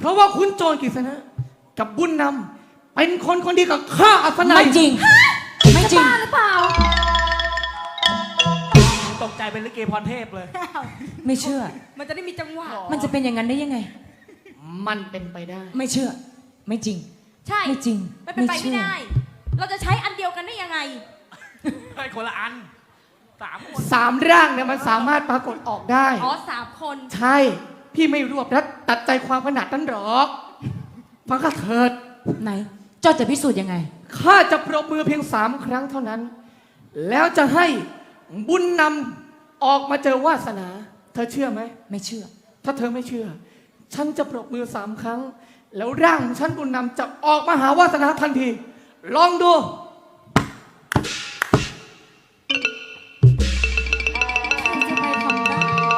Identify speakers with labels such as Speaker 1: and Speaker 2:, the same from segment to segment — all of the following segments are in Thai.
Speaker 1: เพราะว่าคุณโจรกฤษณะกับบุญนำเป็นคนดีกับข้าอัศนัย
Speaker 2: ไม่จริงไม่จริง
Speaker 3: หรือเปล่า
Speaker 4: ตกใจเป็นลิเกพรเทพเลย
Speaker 2: ไม่เชื่อ
Speaker 3: มันจะได้มีจังหวะ
Speaker 2: มันจะเป็นอย่างนั้นได้ยังไง
Speaker 1: มันเป็นไปได้
Speaker 2: ไม่เชื่อไม่จริง
Speaker 3: ใช่
Speaker 2: ไม่จริง
Speaker 3: มันเป็นไปไม่ได้เราจะใช้อันเดียวกันได้ยังไง
Speaker 4: คนละอัน
Speaker 1: 3ร่างเนี่ยมันสามารถปรากฏออกได้
Speaker 3: อ๋อ3 คน
Speaker 1: ใช่พี่ไม่รวบรัดตัดใจความขนาดนั้นหรอกฟังข้าเถิด
Speaker 2: ไหนเจ้าจะพิสูจน์ยังไง
Speaker 1: ข้าจะปรบมือเพียง3 ครั้งเท่านั้นแล้วจะให้บุญนำออกมาเจอวาสนาเธอเชื่อไหม
Speaker 2: ไม่เชื่อ
Speaker 1: ถ้าเธอไม่เชื่อฉันจะปรบมือ3 ครั้งแล้วร่างของฉันบุญนำจะออกมาหาวาสนาทันทีลองดู
Speaker 3: จะไปทำได้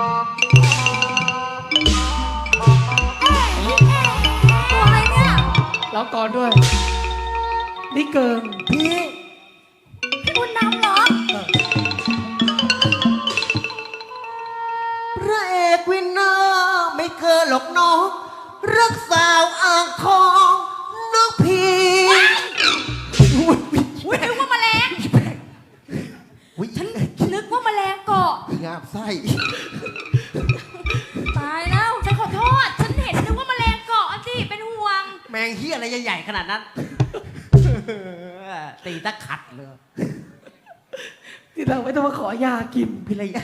Speaker 3: ตัวอะไรเนี่ย
Speaker 1: แล้วก่อนด้วยนี่เกิน
Speaker 3: พี่บุญนำเหรอ
Speaker 5: พระเอกวินเนอร์ไม่เกินหรอกน้องรักสาวอ่างทองน้องพี่
Speaker 3: นึกว่าแมลงฉันนึกว่าแมลงเกาะ
Speaker 5: งามไส้
Speaker 3: ตายแล้วฉันขอโทษฉันเห็นนึกว่าแมลงเกาะอันที่เป็นห่วง
Speaker 5: แมงเฮียอะไรใหญ่ๆขนาดนั้นตีตะขัดเลย
Speaker 1: ที่เราไม่ต้องมาขอยากิน
Speaker 5: พี่อะไร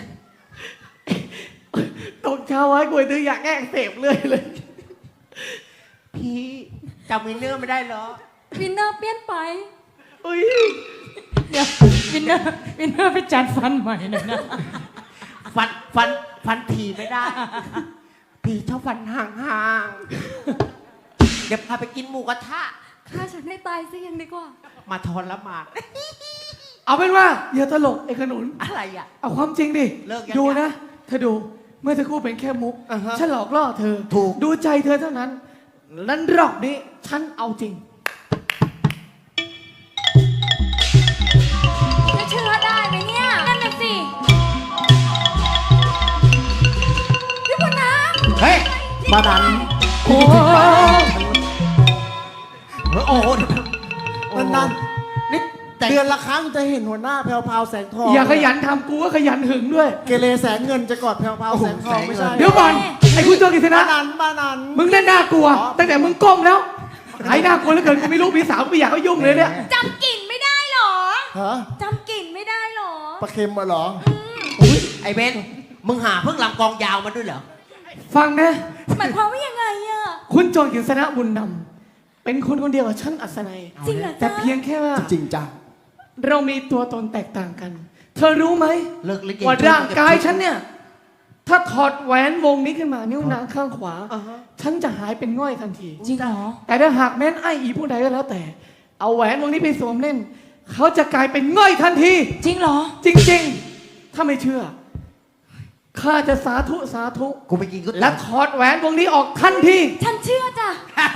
Speaker 1: ตกเช้าไว้กล้วยตื้ออยากแก้เสพเลย
Speaker 5: พี่จำวินเนอร์ไม่ได้เหรอ
Speaker 3: วินเนอร์เปลี่ยนไป
Speaker 1: อุ้ย
Speaker 2: เดี๋ยววินเนอร์ไปจัดฟันใหม่หน่อยนะ
Speaker 5: ฟันผีไม่ได้ผีชอบฟันห่างๆเดี๋ยวพาไปกินหมูกระทะ
Speaker 3: ฆ่าฉันให้ตายซะยังดีกว่า
Speaker 5: มาทรมาน
Speaker 1: เอาเป็นว่าอย่าตลกไอ้ขนุน
Speaker 5: อะไรอ่ะ
Speaker 1: เอาความจริงดิดูนะเธอดูเมื่อสักครู่เป็นแค่มุกฉันหลอกล่อเธอดูใจเธอเท่านั้นนั้นรอบนี้ฉันเอาจริง
Speaker 3: จะเชื่อได้ไหมเนี่ยนั่นน่ะสิพี่บุญนะ
Speaker 5: เฮ้ยมาดัน
Speaker 1: โอ้
Speaker 5: มันดันนี่เดือนละครั้งจะเห็นหัวหน้าแพรวๆแสงทอง
Speaker 1: อย่าขยันทำกูก็ขยันหึงด้วย
Speaker 5: เกเรแสงเงินจะกอดแพรวๆแสงทองไม่ใช่
Speaker 1: เดี๋ยวก่อนไอ้คุณโจรกฤษณะ
Speaker 5: มานัน
Speaker 1: มึงน่ากลัวตั้งแต่มึงก้มแล้วไอ้น่ากลัวเหลือเกินกูไม่รู้พี่สาวกูไม่อยากให้ยุ่งเลยเนี่ย
Speaker 3: จำกลิ่นไม่ได้หรอ
Speaker 5: ฮะ
Speaker 3: จำกลิ่นไม่ได้หรอ
Speaker 5: ปลาเค็มมาหรอไอ้เบนมึงหาเพิ่งลำกองยาวมาด้วยเหรอ
Speaker 1: ฟังนะ
Speaker 3: หมายความว่ายังไงอะ
Speaker 1: คุณโจรกฤษณะบุญนำเป็นคนเดียวกับฉันอัศนัย
Speaker 3: จริงเหรอ
Speaker 1: แต่เพียงแค่ว่า
Speaker 5: จริงจ้ะ
Speaker 1: เรามีตัวตนแตกต่างกันเธอรู้ไหมว่าร่างกายฉันเนี่ยถ้าถอดแหวนวงนี้ขึ้นมานิ้วนางข้างขวาฉันจะหายเป็นง่อยทันที
Speaker 2: จริงเหรอ
Speaker 1: แต่ถ้าหากแม้นไอ้อีผู้ใดก็แล้วแต่เอาแหวนวงนี้ไปสวมเล่นเขาจะกลายเป็นง่อยทันที
Speaker 2: จริงเหรอ
Speaker 1: จริงๆถ้าไม่เชื่อข้าจะสาธุ
Speaker 5: กูไปกินก็
Speaker 1: และถอดแหวนวงนี้ออกทันที
Speaker 3: ฉันเชื่อจ้ะ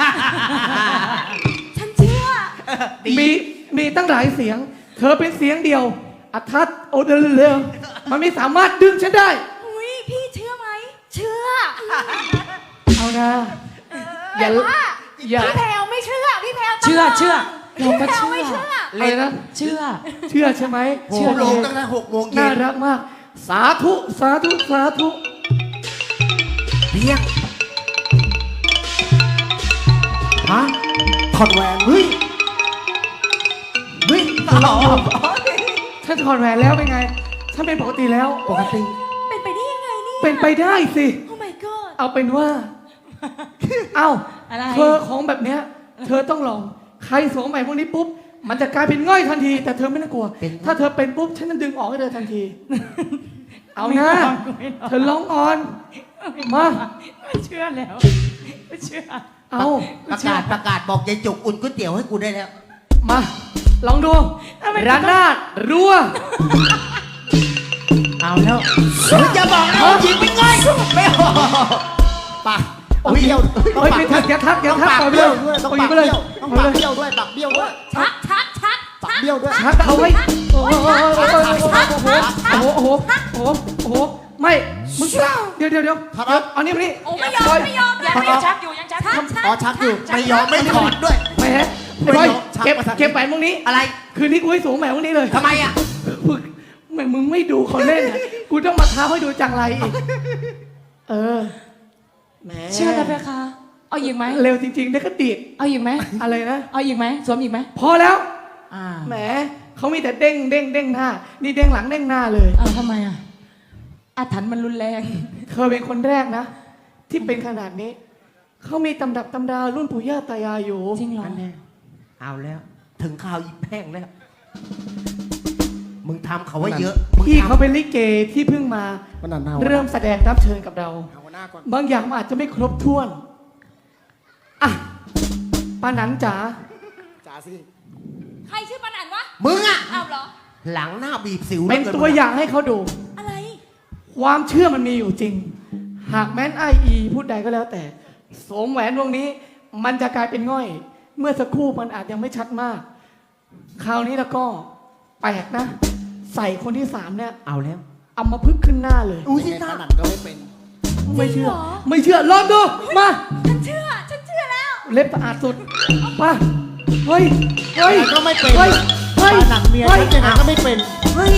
Speaker 3: ฉันเชื่อ
Speaker 1: มีตั้งหลายเสียงเธอเป็นเสียงเดียวอัทัศโอเดลเลมันไม่สามารถดึงฉันได้
Speaker 3: อุ้ยพี่เชื่อไหมเชื่อ
Speaker 1: เอานะ
Speaker 3: อย่าพี่แพรวไม่เชื่อพี่แพรว
Speaker 2: เชื่อ
Speaker 3: เราก็เชื่อ
Speaker 1: เลยนะ
Speaker 2: เชื่
Speaker 1: อใช่ไหม
Speaker 5: เชื่อลงตั้งแต่6 โมงเย็น
Speaker 1: น่ารักมากสาธุ
Speaker 5: เพียงฮะถอดแหวนเฮ้ย
Speaker 1: ฉันถอดแหวนแล้วเป็นไงฉันเป็นปกติแล้ว
Speaker 5: ปกติ
Speaker 3: เป็นไปได้ยังไงเนี่ย
Speaker 1: เป็นไปได้สิ
Speaker 3: โอ้ my god
Speaker 1: เอาเป็นว่าเธอของแบบเนี้ยเธอต้องลองใครสวมใหม่พวกนี้ปุ๊บมันจะกลายเป็นง่อยทันทีแต่เธอไม่ต้องกลัวถ้าเธอเป็นปุ๊บฉันจะดึงออกให้เธอทันทีเอานะเธอร้องอ่อนมา
Speaker 2: ไม่เชื่อแล้วไม่เชื่อ
Speaker 1: เอา
Speaker 5: ประกาศบอกยายจุกอุ่นก๋วยเตี๋ยวให้กูได้แล้ว
Speaker 1: มาลองดูระนาดรัว
Speaker 5: เอาแล้วอย่าบอกนะจริงเป็นง่อยไม่ออกปากเบี้ยว
Speaker 1: ไม่ทักอย่าทักปากเบี้ยว
Speaker 5: ต้องปากเบี้ยวต้องปากเบี้ยวด้วยปากเบี้ยวด้วย
Speaker 3: ชัก
Speaker 5: ปากเบี้ยวด้วย
Speaker 1: ชักเอาไว้โอ้โหไม่มึงเดี๋ยว
Speaker 2: เอานี่มานี่
Speaker 3: ไม่ยอมยังชักอยู่
Speaker 2: จัด
Speaker 3: ชัก
Speaker 5: อ๋อชักอยู่ไม่ยอมไม่ถอดด้วย
Speaker 1: แหมไอ้บอย
Speaker 5: ชัก
Speaker 1: เก็บ
Speaker 5: มาสัก
Speaker 1: เก็บแหวนพวกนี้
Speaker 5: อะไร
Speaker 1: คืนนี้กูให้สูงแหวนพวกนี้เลย
Speaker 5: ทำไมอ่ะ
Speaker 1: มึงไม่ดูเขาเล่นอ่ะกูต้องมาท้าให้ดูจังไรอีกเออแหม
Speaker 2: เชื่อนะเพคะ เอาอีกไหม
Speaker 1: เร็วจริงๆได้กระดิด
Speaker 2: เอาอีกไหม
Speaker 1: อะไรนะ
Speaker 2: เอาอีกไหมสวมอีกไหม
Speaker 1: พอแล้ว
Speaker 2: อ่า
Speaker 1: แหมเขามีแต่เด้งเด้งเด้งหน้า นี่เด้งหลังเด้งหน้าเลย
Speaker 2: อ้าวทำไมอ่ะอาถรรพ์มันรุนแรง
Speaker 1: เธอเป็นคนแรกนะ ที่เป็นขนาดนี้ เขามีตำรับตำรารุ่นปู่ย่าตายายอยู่
Speaker 2: จริงเหรอ
Speaker 5: นั่นแน่เอาแล้ว ถึงข่าวอีแพ่งแล้ว มึงทำเขาไว้เยอะมึง
Speaker 1: พี่
Speaker 5: ทำ
Speaker 1: เขาเป็นลิเกที่เพิ่งมา
Speaker 5: มันนาน
Speaker 1: เริ่มแสดงรับเชิญกับเรา
Speaker 5: เอาหน้าก่อน
Speaker 1: บางอย่างมันอาจจะไม่ครบถ้วนอ่ะป้านันจ๋า
Speaker 5: จ่าสิ
Speaker 3: ใครชื่อปานันวะ
Speaker 5: มึงอ่ะ
Speaker 3: อ้าวเหรอ
Speaker 5: หลังหน้าบีบสิว
Speaker 1: เป็น
Speaker 5: หลืกิ
Speaker 1: ตัวอย่างให้เขาดู
Speaker 3: อะไร
Speaker 1: ความเชื่อมันมีอยู่จริง หากแม้นไออีพูดใดก็แล้วแต่สวมแหวนวงนี้ มันจะกลายเป็นง่อย เมื่อสักครู่มันอาจยังไม่ชัดมาก คราวนี้แล้วก็แปลกนะ ใส่คนที่สามเนี่ย
Speaker 5: เอาแล้ว
Speaker 1: เอามาพึกษ์ขึ้นหน้าเลย
Speaker 5: อุ้ยที่หน้าหนันก็ไม่เป็น
Speaker 1: ไม่เชื่อ
Speaker 3: จริงเหรอ
Speaker 1: ไม่เชื่อลองดูมา
Speaker 3: ฉันเชื่อแล้ว
Speaker 1: เล็บสะอาดสุดมาเฮ้ยเฮ้ย
Speaker 5: ก็ไม่เป็น
Speaker 1: เฮ้ยเฮ้ย
Speaker 5: หนังเมีย
Speaker 1: ฮ้
Speaker 5: ฉันยังไงก็ไม่เป็น
Speaker 3: เฮ้ย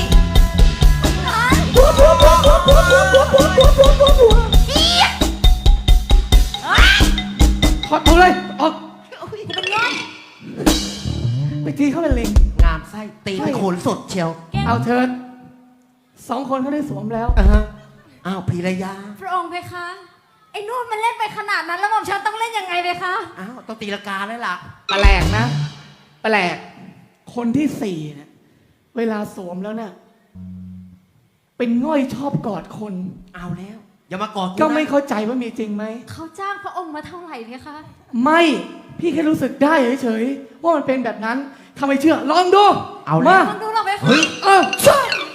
Speaker 1: ถอดเอาเลยออก
Speaker 3: เป็นง่อย
Speaker 1: ไปทีเขาเป็นลิง
Speaker 5: งามไส้ตีเป็นโขนสดเชียว
Speaker 1: เอาเถิดสองคนเขาได้สวมแล้ว
Speaker 5: อ่าฮะอ้าวพีรยา
Speaker 3: พระองค์เพคะ ไอ้นู่นมันเล่นไปขนาดนั้นแล้วหม่อมฉันต้องเล่นยังไงเพคะ
Speaker 5: อ้าวต้องตีลงกาแล้วล่ะ
Speaker 1: แปลกนะ แปลก คนที่สี่เนี่ยเวลาสวมแล้วเนี่ยเป็นง่อยชอบกอดคน
Speaker 5: เอาแล้ว อย่ามากอด
Speaker 1: ก็ไม่
Speaker 5: นะ
Speaker 1: เข้าใจว่ามีจริงไหม
Speaker 3: เขาจ้างพระองค์มาเท่าไหร่เพคะ
Speaker 1: ไม่พี่แค่รู้สึกได้เฉยๆว่ามันเป็นแบบนั้นทำไมเชื่อ ลองดู
Speaker 5: เอาแล้ว
Speaker 1: มา
Speaker 3: ลองดูหรอกเพคะ
Speaker 5: เฮ้ย
Speaker 1: เออใช่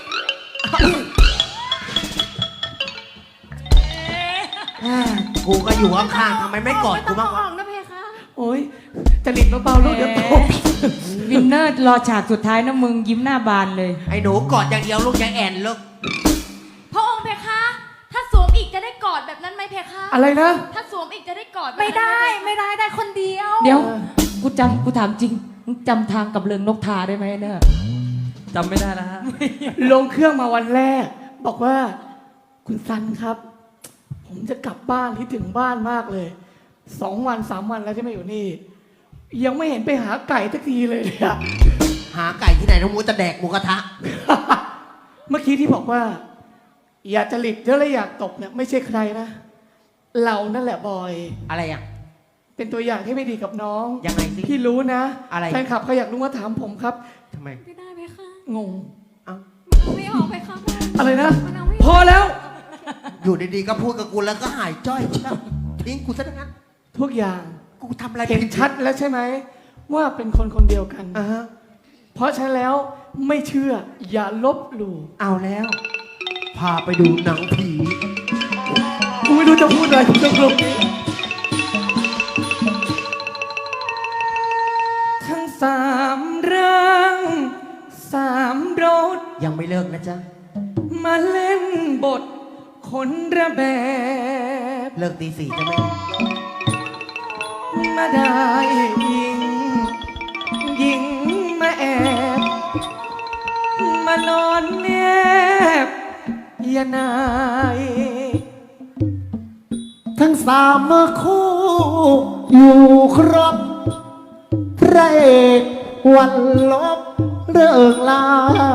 Speaker 5: กูก็อยู่ข้างๆทำไมไม่กอดกูบ้าง
Speaker 3: ไม่ต้
Speaker 5: วะ
Speaker 3: องนะเพคะ
Speaker 1: โอ้ยจริตเบาๆลูกเดี๋ยวตก
Speaker 2: วินเนอร์รอฉากสุดท้ายนะมึงยิ้มหน้าบานเลย
Speaker 5: ไอ้หนูกอดอย่างเดียวลูกอย่าแอนลูก
Speaker 3: พระองค์เพคะ ถ้าสวมอีกจะได้กอดแบบนั้นไหมเพคะ
Speaker 1: อะไรนะ
Speaker 3: ถ้าสวมอีกจะได้กอดแบบนั้นไม่ได้ได้คนเดียว
Speaker 2: เดี๋ยว กูถามจริงมึงจำทางกับเรืองนกทาได้ไหมเนี่ย
Speaker 4: จำไม่ได้แล้วฮะ
Speaker 1: ลงเครื่องมาวันแรก บอกว่าคุณซันครับ ผมจะกลับบ้านคิดถึงบ้านมากเลย2 วัน 3 วันแล้วที่มาอยู่นี่ ยังไม่เห็นไปหาไก่สักทีเลยเนี่ย
Speaker 5: หาไก่ที่ไหนน้องมูจะแดกหมูกระทะ
Speaker 1: เมื่อกี้ที่บอกว่า อยากจะหลีกเยอะและอยากตกเนี่ยไม่ใช่ใครนะ เรานั่นแหละบอย
Speaker 5: อะไรอ่ะ
Speaker 1: เป็นตัวอย่างที่ไม่ดีกับน้อง
Speaker 5: ยังไงสิ
Speaker 1: พี่รู้นะ
Speaker 5: อะไร
Speaker 1: แฟนคลับเขาอยากรู้ว่าถามผมครับ
Speaker 5: ทำไม
Speaker 3: ไม่ได้เพคะ
Speaker 1: งง
Speaker 5: เอ้า
Speaker 3: ไม่ออกเพคะ
Speaker 1: อะไรนะ
Speaker 3: มันเอาไม่
Speaker 1: พอแล้ว
Speaker 5: อยู่ดีๆก็พูดกับกูแล้วก็หายจ้อยเช่าทิ้งกูซะงั้น
Speaker 1: ทุกอย่าง
Speaker 5: กูทำอะไร
Speaker 1: เห็นชัดแล้วใช่ไหมว่าเป็นคนคนเดียวกัน
Speaker 5: อ่าฮะ
Speaker 1: เพราะฉะนั้นแล้วไม่เชื่ออย่าลบหลู่
Speaker 5: เอาแล้ว พาไปดูหนังผี
Speaker 1: กูไม่รู้จะพูดอะไรตรงตรงนี้ทั้ง3 เรื่อง3 รส
Speaker 5: ยังไม่เลิกนะจ๊ะ
Speaker 1: มาเล่นบทคนระแบบ
Speaker 5: เลิกตี 4จะไหม
Speaker 1: มาได้ยิงมาแอบมานอนแนบยานาย
Speaker 5: ทั้ง3 คู่อยู่ครบพระเอกวันลบเรื่องลา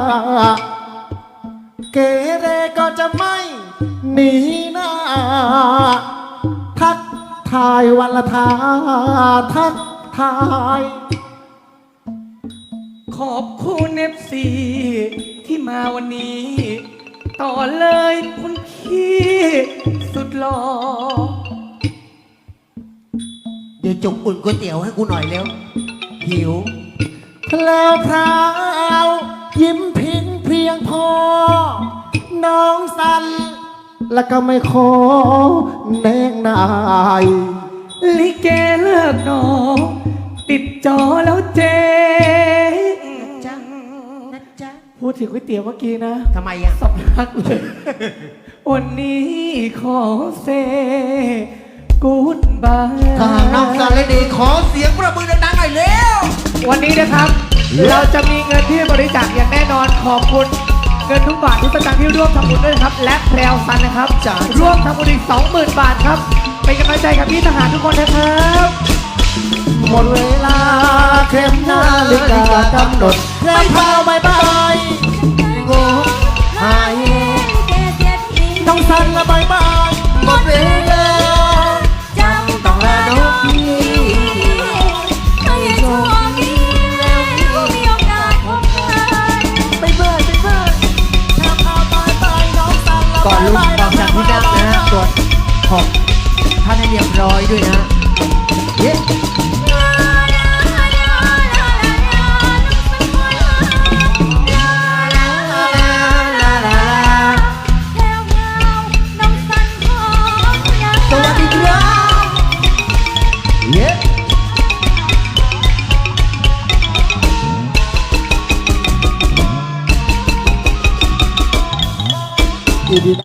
Speaker 5: เกเรก็จะไม่หนีหน้า ทักทายวันละทาทักทาย
Speaker 1: ขอบคุณเอฟซีที่มาวันนี้ ต่อเลยคุณพี่สุดหล่อ
Speaker 5: เดี๋ยวจุกอุ่นก๋วยเตี๋ยวให้กูหน่อยเร็ว หิวแล้วพราวยิ้มพิงเพียงพอ น้องสัน แล้วก็ไม่ขอแนงนาย
Speaker 1: ลิเกเลิกหนอติดจอแล้วเจ๊
Speaker 5: จ๊ะนะจ๊ะ
Speaker 1: พูดถึงก๋วยเตี๋ยวเมื่อกี้นะ
Speaker 5: ทำไมอ่ะ
Speaker 1: สำลักเลย วันนี้ขอเซกูดบาย
Speaker 5: ถ้าหากน้องสันและดีขอเสียงประมือดังๆหน่อยเร็ว
Speaker 1: วันนี้นะครับ เราจะมีเงินที่บริจาคอย่างแน่นอนขอบคุณเงินทุกบาททุกสตางค์ที่ร่วมทำบุญด้วยนะครับ และแพรวซันนะครับร่วมทำบุญอีก 20,000 บาทครับเป็นกำลังใจกับพี่ทหารทุกคนนะครับ
Speaker 5: หมดเวลาเข้มนาฬิกากำหนดแพรวพราวบายบายโง่หาย
Speaker 3: แก่เสียที
Speaker 5: น้องสันละบายบายหมดเวลาจังต้องลาน้องพี่
Speaker 3: ให้โชคดีแล้วมีโอกาสพบกัน
Speaker 5: ไปเบิร์ดแพรวพราวบายบายน้องสันละ
Speaker 2: ก่อนลุก
Speaker 5: บาย
Speaker 2: ออกจากที่นั่งนะฮะตรวจของท่านให้เรียบร้อยด้วยนะ
Speaker 5: เย้ สวัสดีครับเย้